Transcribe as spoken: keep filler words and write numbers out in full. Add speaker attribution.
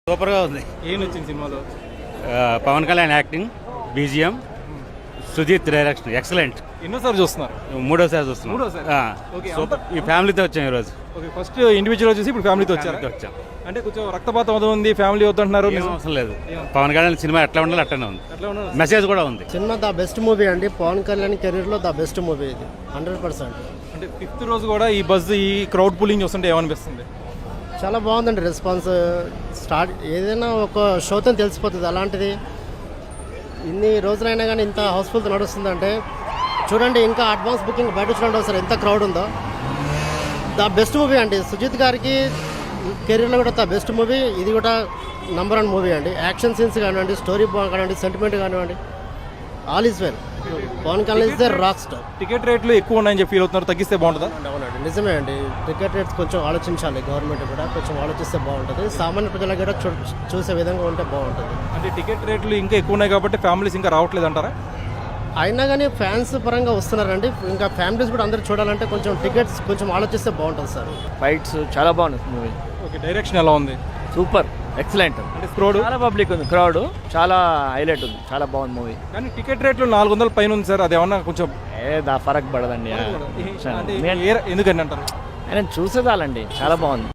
Speaker 1: సూపర్గా ఉంది.
Speaker 2: ఏం నచ్చింది సినిమాలో?
Speaker 1: Pawan Kalyan acting, BGM, Sujeeth direction excellent.
Speaker 2: ఎన్నోసారి చూస్తున్నారు?
Speaker 1: మూడోసారి చూస్తున్నాం.
Speaker 2: మూడోసారి?
Speaker 1: ఆ,
Speaker 2: ఓకే.
Speaker 1: సూపర్. ఈ ఫ్యామిలీతో వచ్చాం ఈరోజు.
Speaker 2: ఓకే, ఫస్ట్ ఇండివిజువల్ చూసి ఇప్పుడు ఫ్యామిలీతో వచ్చారు.
Speaker 1: ఫ్యామిలీతో వచ్చాం.
Speaker 2: అంటే కొంచెం రక్తపాతం అది ఉంది, ఫ్యామిలీ వద్దంటున్నారు.
Speaker 1: ఏం అవసరం లేదు. పవన్ కళ్యాణ్ సినిమా ఎట్లా ఉండాలి అట్లనే ఉంది.
Speaker 2: అట్లా ఉన్నారు.
Speaker 1: మెసేజ్ కూడా ఉంది.
Speaker 3: సినిమా ద బెస్ట్ మూవీ అండి. పవన్ కళ్యాణ్ కెరీర్లో ద బెస్ట్ మూవీ ఇది, హండ్రెడ్ పర్సెంట్.
Speaker 2: అంటే ఫిఫ్త్ రోజు కూడా ఈ బజ్ ఈ క్రౌడ్ పుల్లింగ్ చూస్తుంటే ఏమనిపిస్తుంది?
Speaker 3: చాలా బాగుందండి రెస్పాన్స్. స్టార్ట్ ఏదైనా ఒక షోతో తెలిసిపోతుంది. అలాంటిది ఇన్ని రోజులైనా కానీ ఇంత హౌస్ఫుల్తో నడుస్తుందంటే చూడండి. ఇంకా అడ్వాన్స్ బుకింగ్ బయట చూడండి ఒకసారి ఎంత క్రౌడ్ ఉందో. ద బెస్ట్ మూవీ అండి. సుజిత్ గారికి కెరీర్లో కూడా ద బెస్ట్ మూవీ ఇది కూడా నంబర్ వన్ మూవీ అండి. యాక్షన్ సీన్స్ కానివ్వండి, స్టోరీ కానివ్వండి, సెంటిమెంట్ కానివ్వండి, all is well. Pawan Kalyan is the rock star.
Speaker 2: Ticket రేట్లు ఎక్కువ ఉన్నాయని చెప్పి ఫీల్ అవుతున్నారు, తగ్గిస్తే బాగుంటుందా?
Speaker 3: అవునండి, నిజమే అండి. టికెట్ రేట్స్ కొంచెం ఆలోచించాలి, గవర్నమెంట్ కూడా కొంచెం ఆలోచిస్తే బాగుంటుంది. సామాన్య ప్రజలకు కూడా చూ చూసే విధంగా ఉంటే బాగుంటుంది.
Speaker 2: అంటే టికెట్ రేట్లు ఇంకా ఎక్కువ ఉన్నాయి కాబట్టి ఫ్యామిలీస్ ఇంకా రావట్లేదు అంటారా?
Speaker 3: అయినా కానీ ఫ్యాన్స్ పరంగా వస్తున్నారండి. ఇంకా ఫ్యామిలీస్ కూడా అందరూ చూడాలంటే కొంచెం టికెట్స్ కొంచెం ఆలోచిస్తే బాగుంటుంది సార్.
Speaker 4: ఫైట్స్ చాలా బాగుంది మూవీ.
Speaker 2: ఓకే, డైరెక్షన్ ఎలా ఉంది?
Speaker 4: Super, excellent.
Speaker 2: అంటే క్రౌడ్
Speaker 4: చాలా పబ్లిక్ ఉంది, క్రౌడ్ చాలా హైలైట్ ఉంది, చాలా బాగుంది మూవీ.
Speaker 2: కానీ టికెట్ రేట్లు నాలుగు వందల పైన ఉంది సార్. అది ఏమన్నా కొంచెం
Speaker 4: ఏ దా ఫరక్ పడదండి.
Speaker 2: అంటే ఏ- ఎందుకని అంటారు?
Speaker 4: ఆయన చూసేదాలండి, చాలా బాగుంది.